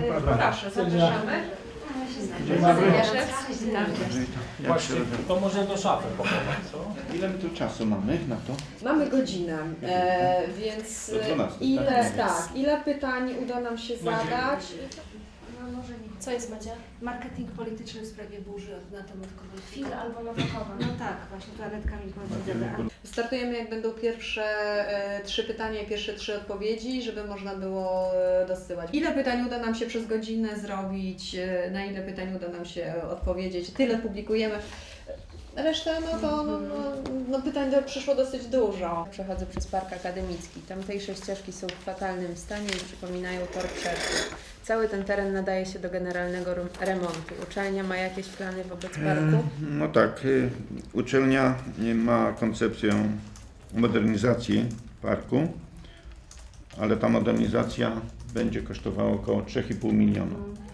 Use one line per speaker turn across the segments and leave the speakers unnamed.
Proszę, zapraszamy.
Dzień dobry.
Właśnie, to może do szafy pochować, co?
Ile my tu czasu mamy na to?
Mamy godzinę, więc
Do 12,
ile pytań uda nam się zadać?
No może nie. Co jest Madzia?
Marketing polityczny w sprawie burzy na temat COVID.
Fil albo Nowakowa.
No tak, właśnie tu Anetka mi powiedziała.
Startujemy, jak będą pierwsze 3 pytania i pierwsze 3 odpowiedzi, żeby można było dosyłać. Ile pytań uda nam się przez godzinę zrobić, na ile pytań uda nam się odpowiedzieć, tyle publikujemy. Resztę, pytań przyszło dosyć dużo.
Przechodzę przez park akademicki. Tamtejsze ścieżki są w fatalnym stanie i przypominają tor przeszkód. Cały ten teren nadaje się do generalnego remontu. Uczelnia ma jakieś plany wobec parku?
No tak, uczelnia ma koncepcję modernizacji parku, ale ta modernizacja będzie kosztowała około 3,5 miliona.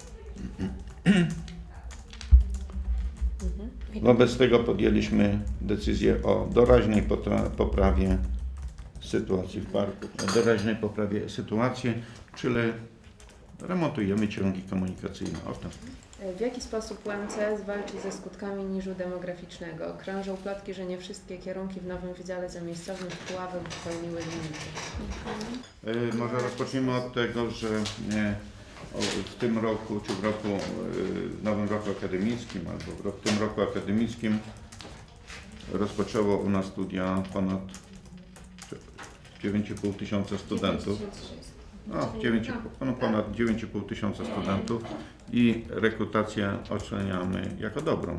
Wobec tego podjęliśmy decyzję o doraźnej poprawie sytuacji w parku. O doraźnej poprawie sytuacji, czyli remontujemy ciągi komunikacyjne. Oto.
W jaki sposób UMC zwalczy ze skutkami niżu demograficznego? Krążą plotki, że nie wszystkie kierunki w nowym wydziale zamiejscowym w Puławach wypełniły limity.
Może rozpoczniemy od tego, że w tym roku, czy w nowym roku akademickim, albo w tym roku akademickim rozpoczęło u nas studia ponad 9,5 tysiąca studentów. Ponad 9,5 tysiąca studentów i rekrutację oceniamy jako dobrą.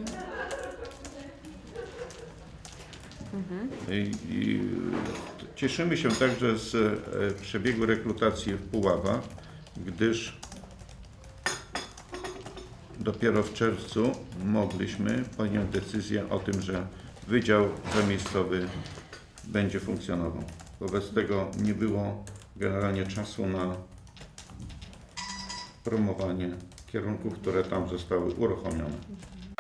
I cieszymy się także z przebiegu rekrutacji w Puławach, gdyż dopiero w czerwcu mogliśmy podjąć decyzję o tym, że Wydział Zamiejscowy będzie funkcjonował. Wobec tego nie było generalnie czasu na promowanie kierunków, które tam zostały uruchomione.